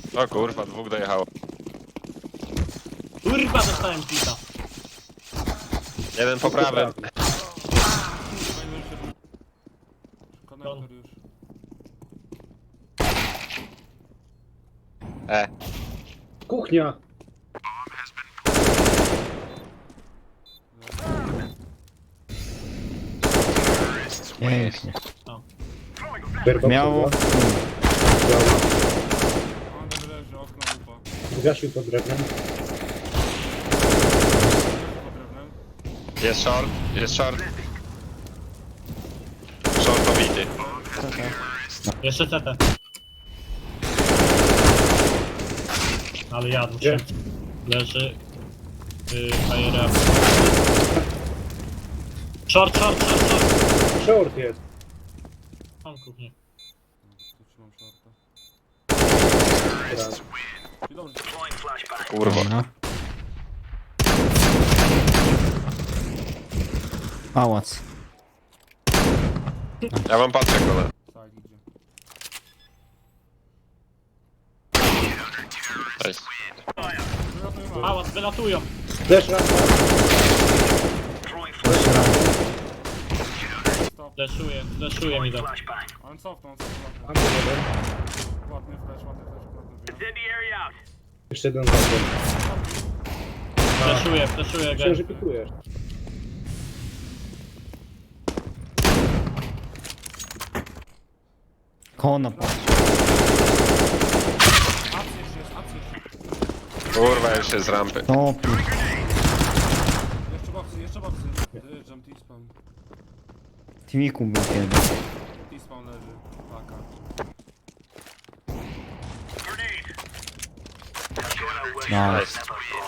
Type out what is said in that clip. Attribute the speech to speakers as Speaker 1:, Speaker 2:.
Speaker 1: O kurwa, dwóch dojechało.
Speaker 2: Kurwa, dostałem pita.
Speaker 1: Jeden po prawym.
Speaker 3: Konektor już.
Speaker 4: Kuchnia!
Speaker 5: Pięknie.
Speaker 4: Berba
Speaker 5: Miało.
Speaker 4: padła.
Speaker 3: On tam leży, okno upa.
Speaker 4: Zgasił pod drewnem.
Speaker 3: Leży pod drewnem.
Speaker 1: Jest short, jest short. Short pobity.
Speaker 2: Jeszcze CT. Ale jadł
Speaker 4: Gdzie?
Speaker 2: się. Leży. Fire up. Short.
Speaker 4: Short jest.
Speaker 2: Mam kuchnię.
Speaker 3: Tu trzymam shorta.
Speaker 4: Teraz.
Speaker 3: I dobrze.
Speaker 1: Kurwa.
Speaker 5: Dobra. Pałac.
Speaker 1: Ja mam patrzę kolor.
Speaker 3: Side idzie.
Speaker 1: Nice.
Speaker 3: Wylatuj ma.
Speaker 2: Pałac, wylatują.
Speaker 4: Też rampa.
Speaker 5: Jeszcze raz.
Speaker 3: Stop.
Speaker 2: Fleszuje mi to.
Speaker 3: On cofnął, cofnął.
Speaker 4: Rampa jeden.
Speaker 3: Ładny flash, ładny wbijam.
Speaker 4: Jeszcze jeden zakon.
Speaker 2: Fleszuje
Speaker 4: Myślę, że
Speaker 2: gen.
Speaker 4: pikujesz.
Speaker 5: Kona patrz.
Speaker 3: Apsy jeszcze jest, apsy jeszcze.
Speaker 1: Kurwa, już jest z rampy.
Speaker 5: Topi.
Speaker 3: Jeszcze boxy. Jump T-spawn.
Speaker 5: Timiku był kiedy.
Speaker 3: T-spawn leży. Paka.
Speaker 5: No.
Speaker 1: Nice.